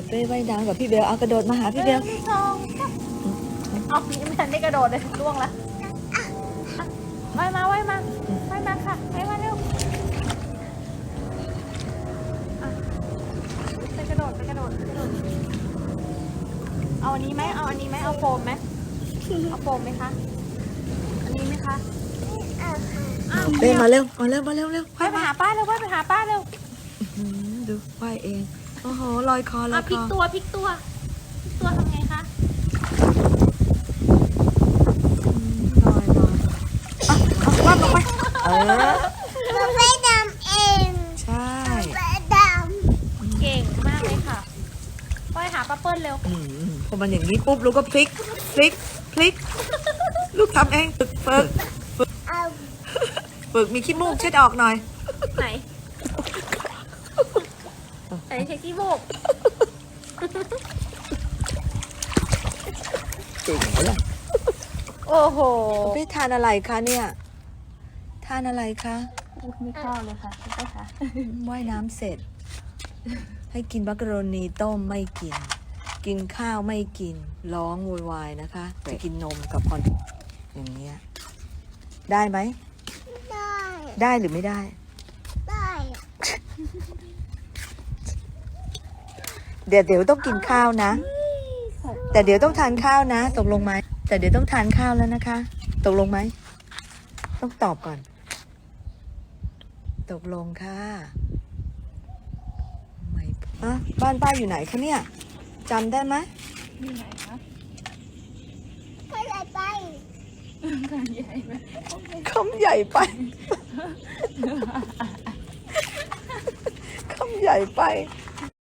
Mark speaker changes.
Speaker 1: เป้ว่ายน้ำกับพี่เบลเอากระโดดมาหาพี่เบล
Speaker 2: 1 2 เอายังไม่ทันได้กระโดดเลยล่วงละว่ายมาค่ะว่ายมาเร็วไปกระโดดเอาอันนี้ไหมเอาโฟมไหมเอาโฟมไหมคะอันนี้ไหมคะอ้าว
Speaker 1: เป้มาเร็วเร็ว
Speaker 2: ว่าย
Speaker 1: ว่าย
Speaker 2: ไป
Speaker 1: มา
Speaker 2: หาป้าเร็ว
Speaker 1: ดูว่ายเองโอ้โหลอยคอ
Speaker 2: พลิกตัวทำไงคะ
Speaker 1: ลอยว่ายลงไป
Speaker 3: ไม่ดำเอง
Speaker 1: ใช่
Speaker 3: ไม่ด
Speaker 2: เก่งมากเลยค่ะว่ายหาป้าเปิ้ลเร็ว
Speaker 1: พอมันอย่างนี้ปุ๊บลูกก็พลิกลูกทำเองฝึก
Speaker 3: ำเอา
Speaker 1: มีขี้มูกเช็ดออกหน่อย
Speaker 2: ไหนเช็คที่โบก
Speaker 1: เก่งเลย
Speaker 2: โอ้โห
Speaker 1: พี่ทานอะไรคะเนี่ยทานอะไรคะ
Speaker 2: ไม่เข้าเลยค่ะใช่ค่ะ
Speaker 1: ว่ายน้ำเสร็จ ให้กินมักกะโรนีต้มไม่กิน กินข้าวไม่กินร้องโวยวายนะคะจะกินนมกับคอนอย่างเงี้ยได้ไหม
Speaker 3: ได้
Speaker 1: ได้หรือไม่ได้
Speaker 3: ได้
Speaker 1: เดี๋ยวต้องกินข้าวนะ แต่เดี๋ยวต้องทานข้าวนะตกลงไหมแต่เดี๋ยวต้องทานข้าวแล้วนะคะตกลงไหมต้องตอบก่อนตกลงค่ะไม่อะบ้านป้าอยู่ไหนคะเนี่ยจำได้ไหม
Speaker 2: นี่ไหนคะ
Speaker 3: ก็เลยไป
Speaker 2: การใหญ่ไหม
Speaker 1: คำใหญ่ไป คำใหญ่ไป